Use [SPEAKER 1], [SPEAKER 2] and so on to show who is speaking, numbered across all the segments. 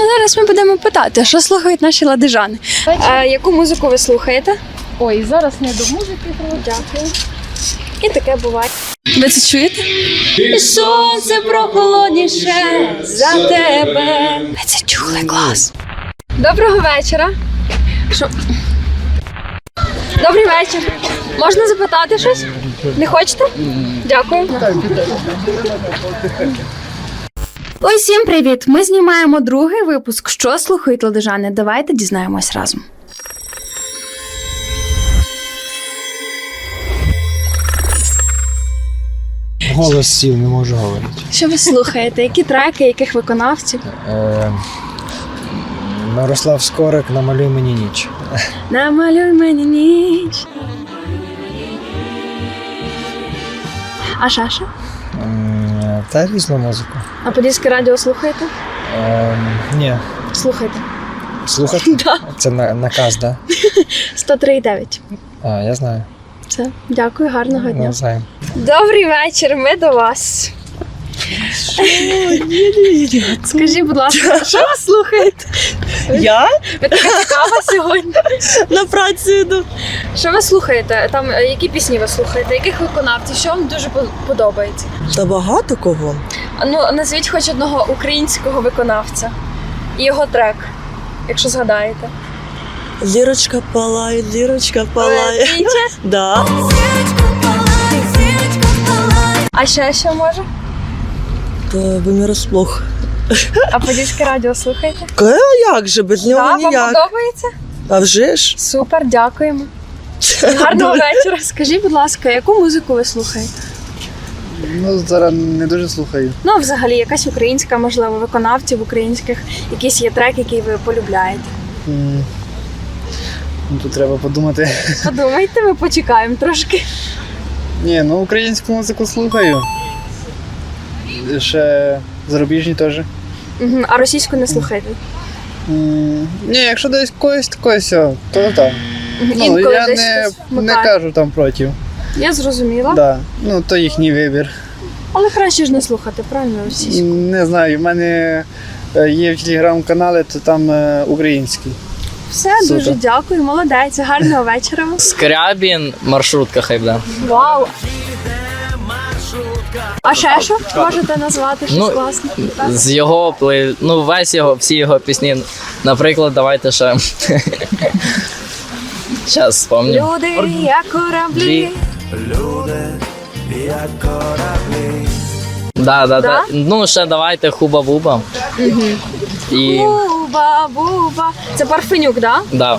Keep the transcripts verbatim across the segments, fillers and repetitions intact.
[SPEAKER 1] Зараз ми будемо питати, що слухають наші ладижани. А яку музику ви слухаєте?
[SPEAKER 2] Ой, зараз не до музики.
[SPEAKER 1] Дякую. І таке буває. Ви це чуєте? І сонце прохолодніше за тебе. Ви це чули, клас. Доброго вечора. Що? Добрий вечір. Можна запитати щось? Не хочете? Дякую. Ой, всім привіт! Ми знімаємо другий випуск «Що слухають ладижани?». Давайте дізнаємось разом.
[SPEAKER 3] Голос сів, не можу говорити.
[SPEAKER 1] Що ви слухаєте? Які треки, яких виконавців?
[SPEAKER 3] Е, Мирослав Скорик «Намалюй мені ніч».
[SPEAKER 1] Намалюй мені ніч. А Шаша?
[SPEAKER 3] Е, Та різну музику.
[SPEAKER 1] А Подільське радіо слухаєте?
[SPEAKER 3] Е, Ні.
[SPEAKER 1] Слухайте.
[SPEAKER 3] Слухати?
[SPEAKER 1] Да.
[SPEAKER 3] Це на, наказ, так?
[SPEAKER 1] сто три і дев'ять.
[SPEAKER 3] Да? А, я знаю.
[SPEAKER 1] Все. Дякую, гарного дня.
[SPEAKER 3] Не знаю.
[SPEAKER 1] Добрий вечір, ми до вас. Скажіть, будь ласка, що ви слухаєте?
[SPEAKER 4] Я
[SPEAKER 1] Ви така цікава сьогодні.
[SPEAKER 4] на працю йду.
[SPEAKER 1] Що ви слухаєте? Там е, які пісні ви слухаєте? Яких виконавців? Що вам дуже по- подобається?
[SPEAKER 4] Та багато кого.
[SPEAKER 1] А, Ну, назвіть хоч одного українського виконавця і його трек, якщо згадаєте.
[SPEAKER 4] Зірочка палає, зірочка палає.
[SPEAKER 1] Е, Вітя?
[SPEAKER 4] Да.
[SPEAKER 1] А ще що може?
[SPEAKER 4] Та ви не розплох.
[SPEAKER 1] А Подільське радіо слухаєте?
[SPEAKER 4] Ка, як же, без нього
[SPEAKER 1] Так, вам
[SPEAKER 4] ніяк.
[SPEAKER 1] подобається?
[SPEAKER 4] А вже ж?
[SPEAKER 1] Супер, дякуємо. Гарного вечора. Скажіть, будь ласка, яку музику ви слухаєте?
[SPEAKER 5] Ну, зараз не дуже слухаю.
[SPEAKER 1] Ну, взагалі, якась українська, можливо, виконавців українських, якийсь є трек, який ви полюбляєте.
[SPEAKER 5] М, Ну, тут треба подумати.
[SPEAKER 1] Подумайте, ми почекаємо трошки.
[SPEAKER 5] Ні, ну українську музику слухаю. Ще зарубіжні теж.
[SPEAKER 1] Угу. А російську не слухаєте?
[SPEAKER 5] М, Ні, якщо десь когось такось, то так. Ну,
[SPEAKER 1] Інколи
[SPEAKER 5] я
[SPEAKER 1] десь
[SPEAKER 5] не,
[SPEAKER 1] щось
[SPEAKER 5] не
[SPEAKER 1] вмикає.
[SPEAKER 5] кажу там проти.
[SPEAKER 1] Я зрозуміла.
[SPEAKER 5] Да. Ну, то їхній вибір.
[SPEAKER 1] Але краще ж не слухати, правильно, російську?
[SPEAKER 5] Не знаю, в мене е, є в телеграм-каналі, то там е, український.
[SPEAKER 1] Все,
[SPEAKER 5] Супер.
[SPEAKER 1] дуже дякую, молодець, гарного вечора вам.
[SPEAKER 6] Скрябін, маршрутка хай буде.
[SPEAKER 1] Вау! А ще що можете назвати щось
[SPEAKER 6] Ну,
[SPEAKER 1] класне? Так?
[SPEAKER 6] З його плей... ну весь його, всі його пісні. Наприклад, давайте ще. Зараз спомню.
[SPEAKER 1] Люди, як кораблі.
[SPEAKER 6] Да, да,
[SPEAKER 1] Да?
[SPEAKER 6] да. Ну, ще давайте Хуба-Буба. І.
[SPEAKER 1] Буба, буба. Це Парфенюк, так?
[SPEAKER 6] Да.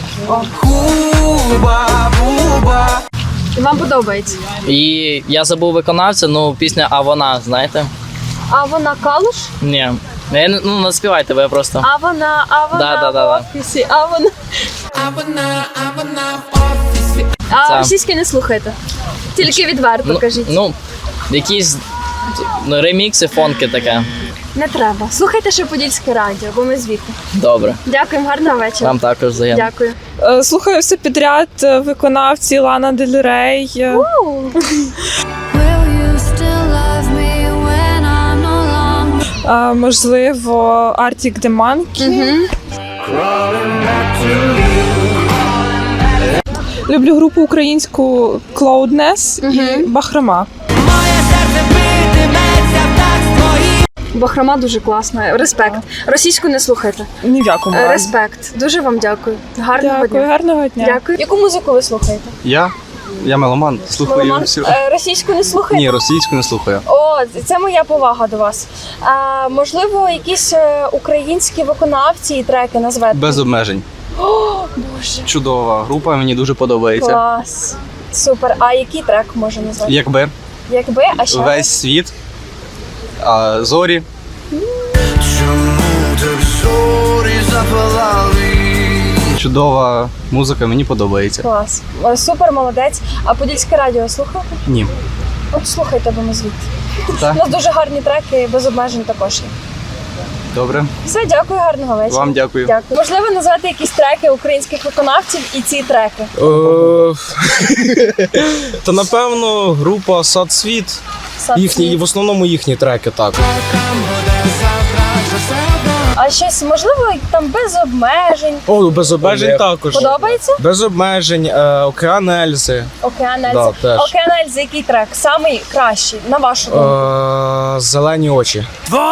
[SPEAKER 1] І вам подобається?
[SPEAKER 6] І я забув виконавця, ну пісня А вона, знаєте?
[SPEAKER 1] А вона Калуш?
[SPEAKER 6] Ні. Я не- Ну, наспівайте, ви просто.
[SPEAKER 1] А вона, а вона
[SPEAKER 6] Да, да, да,
[SPEAKER 1] в
[SPEAKER 6] да.
[SPEAKER 1] офісі, а вона. А
[SPEAKER 6] Це-
[SPEAKER 1] російське не слухайте. Тільки відверто
[SPEAKER 6] Ну,
[SPEAKER 1] кажіть.
[SPEAKER 6] ну, якісь ну, ремікси, фонки таке.
[SPEAKER 1] Не треба. Слухайте ще Подільське радіо, бо ми звідти.
[SPEAKER 6] Добре.
[SPEAKER 1] Дякуємо, гарного вечора.
[SPEAKER 6] Вам також взаємно.
[SPEAKER 1] Дякую.
[SPEAKER 7] Е, Слухаю все підряд, е, виконавці Лана Дель Рей. е, е, Можливо, Arctic The Monkey. Люблю групу українську Cloudness і Бахрома.
[SPEAKER 1] Бахрома дуже класна. Респект. Російську не слухайте.
[SPEAKER 7] Ні в якому
[SPEAKER 1] Е,
[SPEAKER 7] разі.
[SPEAKER 1] Респект. Дуже вам дякую. Гарного
[SPEAKER 7] Дякую,
[SPEAKER 1] дня.
[SPEAKER 7] гарного дня.
[SPEAKER 1] Дякую. Яку музику ви слухаєте?
[SPEAKER 8] Я? Я меломан, слухаю
[SPEAKER 1] Меломан?
[SPEAKER 8] всю.
[SPEAKER 1] Е, Російську не слухаєте?
[SPEAKER 8] Ні, російську не слухаю.
[SPEAKER 1] О, це моя повага до вас. А, можливо, якісь е, українські виконавці і треки назвете?
[SPEAKER 8] Без обмежень.
[SPEAKER 1] О, Боже.
[SPEAKER 8] Чудова група, мені дуже подобається.
[SPEAKER 1] Клас. Супер. А який трек може назвати?
[SPEAKER 8] Якби
[SPEAKER 1] Якби, а ще?
[SPEAKER 8] весь світ, а, зорі. Чудова музика, мені подобається.
[SPEAKER 1] Клас. Е, Супер, молодець. А Подільське радіо слухаєте?
[SPEAKER 8] Ні.
[SPEAKER 1] От слухайте, бо ми звідти.
[SPEAKER 8] Так.
[SPEAKER 1] У нас дуже гарні треки, без обмежень також є.
[SPEAKER 8] Добре.
[SPEAKER 1] Все, дякую, гарного вечора.
[SPEAKER 8] Вам дякую.
[SPEAKER 1] Дякую. Можливо, назвати якісь треки українських виконавців і ці треки.
[SPEAKER 9] Та напевно група Сад Світ.
[SPEAKER 1] Сад
[SPEAKER 9] Їхні,
[SPEAKER 1] Світ.
[SPEAKER 9] в основному їхні треки так.
[SPEAKER 10] Завтра вже все
[SPEAKER 1] А щось, можливо, там без обмежень.
[SPEAKER 9] О, без обмежень також.
[SPEAKER 1] Подобається?
[SPEAKER 9] Без обмежень, е, океан Ельзи.
[SPEAKER 1] Океан Ельзи.
[SPEAKER 9] Да, теж.
[SPEAKER 1] Океан Ельзи, який трек? Самий кращий, на вашу думку?
[SPEAKER 9] Е, зелені очі.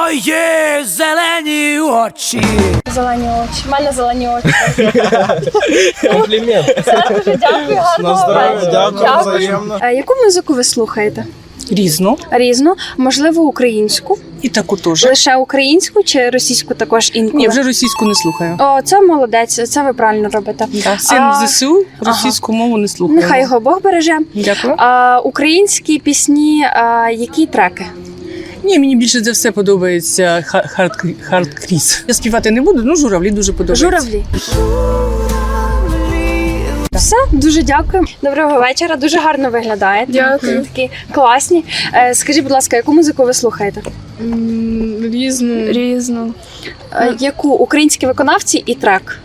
[SPEAKER 1] Зелені очі. У мене зелені очі.
[SPEAKER 9] Комплімент.
[SPEAKER 1] Все, дуже дякую,
[SPEAKER 9] На
[SPEAKER 1] гарного
[SPEAKER 9] здоров'я,
[SPEAKER 1] вечора.
[SPEAKER 9] дякую, взаємно.
[SPEAKER 1] А яку музику ви слухаєте?
[SPEAKER 10] Різну.
[SPEAKER 1] Різну, можливо, українську.
[SPEAKER 10] І таку теж.
[SPEAKER 1] Лише українську чи російську також інколи?
[SPEAKER 10] Ні, вже російську не слухаю.
[SPEAKER 1] О, це молодець, це ви правильно робите.
[SPEAKER 10] Да. Син
[SPEAKER 1] А,
[SPEAKER 10] в ЗСУ, російську мову не слухаю.
[SPEAKER 1] Нехай його Бог береже.
[SPEAKER 10] Дякую.
[SPEAKER 1] А, українські пісні, а, які треки?
[SPEAKER 10] Ні, мені більше за все подобається ха- хард, хардкріс. Я співати не буду, ну журавлі дуже подобаються.
[SPEAKER 1] Журавлі. Все, дуже дякую. Доброго вечора, дуже гарно виглядаєте.
[SPEAKER 2] Дякую.
[SPEAKER 1] Такі класні. Е, скажіть, будь ласка, яку музику ви слухаєте?
[SPEAKER 2] Різну. Різну.
[SPEAKER 1] Е, яку? Українські виконавці і трек?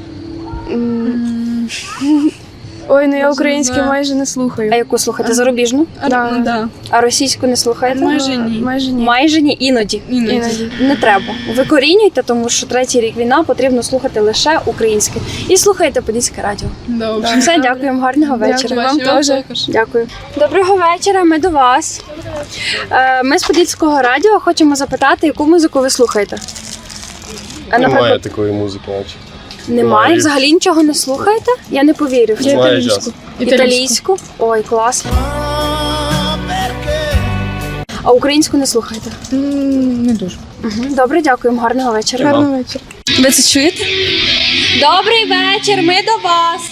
[SPEAKER 2] Ой, ну я українську майже не слухаю.
[SPEAKER 1] А яку слухаєте? Зарубіжну?
[SPEAKER 2] Да. Да.
[SPEAKER 1] А російську не слухаєте?
[SPEAKER 2] Майже ні. Майже ні.
[SPEAKER 1] Майже ні, іноді.
[SPEAKER 2] Іноді.
[SPEAKER 1] Не треба. Викорінюйте, тому що третій рік війна, потрібно слухати лише українське. І слухайте Подільське радіо.
[SPEAKER 2] Добре.
[SPEAKER 1] Все, дякуємо, гарного вечора.
[SPEAKER 2] Вам теж.
[SPEAKER 1] Дякую. Доброго вечора, ми до вас. Е, Ми з Подільського радіо хочемо запитати, яку музику ви слухаєте? А,
[SPEAKER 11] Немає такої музики, наче.
[SPEAKER 1] Немає?
[SPEAKER 11] Немає.
[SPEAKER 1] Взагалі нічого не слухаєте? Я не повірю. в це.
[SPEAKER 11] Немає часу.
[SPEAKER 1] Італійську? Ой, клас. А українську не слухаєте?
[SPEAKER 2] Не дуже.
[SPEAKER 1] Угу. Добре, дякуємо, гарного вечора.
[SPEAKER 2] Гарного вечора.
[SPEAKER 10] Ви це чуєте?
[SPEAKER 1] Добрий вечір, ми до вас.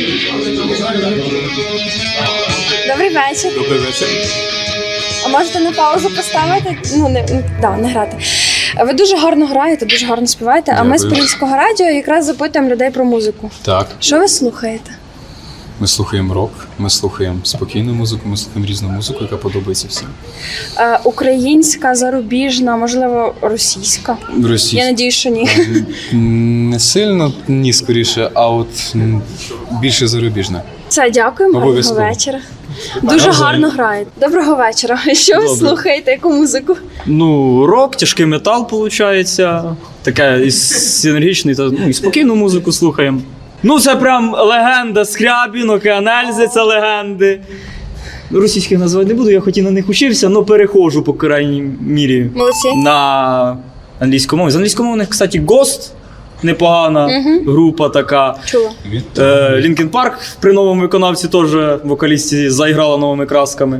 [SPEAKER 1] Добрий вечір.
[SPEAKER 11] Добрий вечір.
[SPEAKER 1] А можете на паузу поставити? Ну, не, ну, да, не грати. Ви дуже гарно граєте, дуже гарно співаєте, а ми з
[SPEAKER 11] Дякую.
[SPEAKER 1] Подільського радіо якраз запитуємо людей про музику.
[SPEAKER 11] Так,
[SPEAKER 1] Що ви слухаєте?
[SPEAKER 11] ми слухаємо рок, ми слухаємо спокійну музику, ми слухаємо різну музику, яка подобається всім.
[SPEAKER 1] Е, українська, зарубіжна, можливо, російська? Я
[SPEAKER 11] Російська.
[SPEAKER 1] надію, що ні.
[SPEAKER 11] Не сильно, ні, скоріше, а от м, більше зарубіжна.
[SPEAKER 1] Це дякуємо, гарного
[SPEAKER 11] Обов'язково.
[SPEAKER 1] вечора. Дуже гарно граєте. Доброго вечора. Що ви
[SPEAKER 12] Добре.
[SPEAKER 1] слухаєте? Яку музику?
[SPEAKER 12] Ну, рок, тяжкий метал, виходить. Таке і синергічний, та ну, і спокійну музику слухаємо. Ну, це прям легенда Скрябін, Океан Ельзи, це легенди. Російських назвати не буду, я хоч і на них учився, але перехожу, по крайній мірі,
[SPEAKER 1] Молодці.
[SPEAKER 12] на англійську мову. З англійськомовних, кстати, Ghost, непогана
[SPEAKER 1] Мгм.
[SPEAKER 12] група така.
[SPEAKER 1] Чула.
[SPEAKER 12] Е, Лінкін Парк при новому виконавці теж вокалісті заіграла новими красками.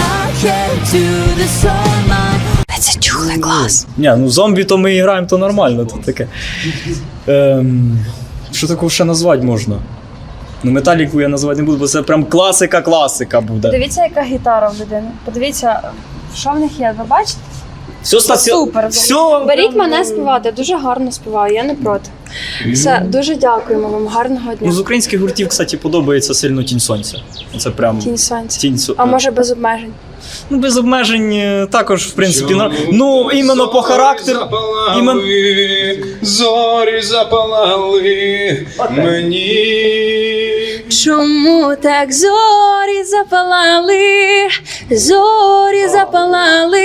[SPEAKER 1] Це чухлий клас.
[SPEAKER 12] Ні, ну зомбі то ми і граємо, то нормально, то таке. Ем, що такого ще назвати можна? Ну, металіку я назвати не буду, бо це прям класика-класика буде.
[SPEAKER 1] Подивіться, яка гітара в людини. Подивіться, що в них є. Ви бачите?
[SPEAKER 12] Все, стаці...
[SPEAKER 1] Супер.
[SPEAKER 12] Все.
[SPEAKER 1] Беріть мене співати, дуже гарно співаю, я не проти. Все, дуже дякуємо вам, гарного
[SPEAKER 12] Ну, з
[SPEAKER 1] дня.
[SPEAKER 12] українських гуртів, кстати, подобається сильно Тінь Сонця. Це прям
[SPEAKER 1] Тінь сонця.
[SPEAKER 12] Тінь Со-
[SPEAKER 1] А може без обмежень?
[SPEAKER 12] Ну, без обмежень е, також, в принципі, на... ну, іменно по характеру. Імен...
[SPEAKER 11] Зорі запалали мені.
[SPEAKER 1] Чому так зорі запалали, зорі запалали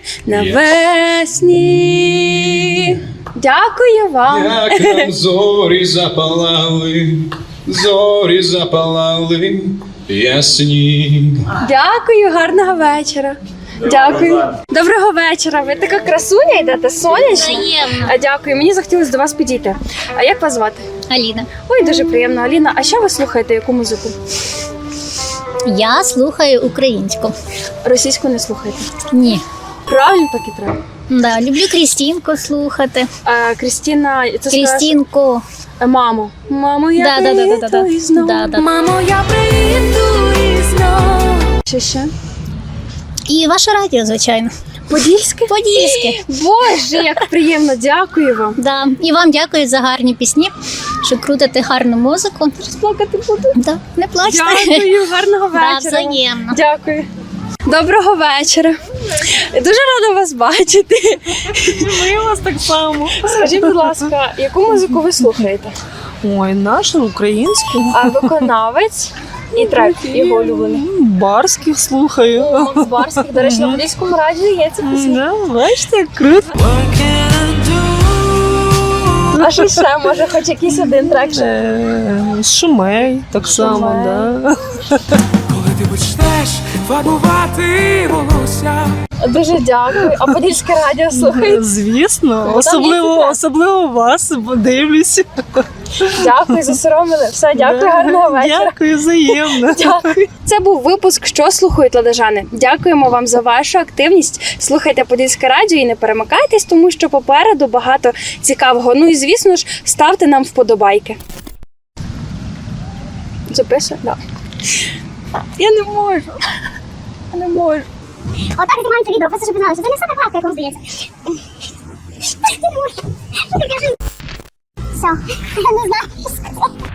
[SPEAKER 1] навесні? Дякую вам.
[SPEAKER 11] Як нам зорі запалали, зорі запалали ясні.
[SPEAKER 1] Дякую, гарного вечора. Дякую. Доброго вечора. Ви така красуня йдете, сонячна. А, Дякую. Мені захотілося до вас підійти. А як вас звати?
[SPEAKER 13] Аліна.
[SPEAKER 1] Ой, дуже приємно, Аліна. А що ви слухаєте? Яку музику?
[SPEAKER 13] Я слухаю українську.
[SPEAKER 1] Російську не слухаєте?
[SPEAKER 13] Ні.
[SPEAKER 1] Правильно, так і треба.
[SPEAKER 13] Да, люблю Крістінку слухати.
[SPEAKER 1] А, Крістіна, це
[SPEAKER 13] Крістінку.
[SPEAKER 1] скажеш, Мамо. Мамо, я
[SPEAKER 13] Да, да, да, да, да,
[SPEAKER 1] приїду
[SPEAKER 13] да.
[SPEAKER 1] і знов.
[SPEAKER 13] Да, да.
[SPEAKER 1] Мамо, я приїду і знов. Що ще?
[SPEAKER 13] І ваше радіо, звичайно.
[SPEAKER 1] Подільське?
[SPEAKER 13] Подільське.
[SPEAKER 1] Боже, як приємно, дякую вам.
[SPEAKER 13] Да. І вам дякую за гарні пісні, що крутите гарну музику.
[SPEAKER 1] Плакати буду.
[SPEAKER 13] Да. Не плачте.
[SPEAKER 1] Дякую, гарного
[SPEAKER 13] Да,
[SPEAKER 1] вечора.
[SPEAKER 13] взаємно.
[SPEAKER 1] Дякую. Доброго вечора. Дуже рада вас бачити.
[SPEAKER 7] Ми вас так само.
[SPEAKER 1] Скажіть, будь ласка, яку музику ви слухаєте?
[SPEAKER 7] Ой, нашу українську.
[SPEAKER 1] А виконавець і трек його улюблений?
[SPEAKER 7] Барських слухаю.
[SPEAKER 1] Макс Барських. До речі, на Подільському радіо є ці пісні.
[SPEAKER 7] Да, бачите, як круто.
[SPEAKER 1] А що ще, може, хоч якийсь один трек ще?
[SPEAKER 7] Е, Шумей, так само, да.
[SPEAKER 9] Коли ти почнеш фарбувати волосся.
[SPEAKER 1] Дуже дякую. А Подільське радіо слухаєте?
[SPEAKER 7] Звісно,
[SPEAKER 1] особливо-
[SPEAKER 7] особливо, особливо вас, бо дивлюся.
[SPEAKER 1] Дякую, засоромили. Все, дякую, гарного вечора.
[SPEAKER 7] Дякую, взаємно.
[SPEAKER 1] Дякую. Це був випуск «Що слухають ладожани?». Дякуємо вам за вашу активність. Слухайте Подільське радіо і не перемикайтесь, тому що попереду багато цікавого. Ну і звісно ж, ставте нам вподобайки. Записує? Да. Я не можу. Я не можу.
[SPEAKER 13] Отак знімається відео, просто щоб ви знали, що це не все так легко, як вам здається. Ти не можеш. Все, я не знаю, що сказати.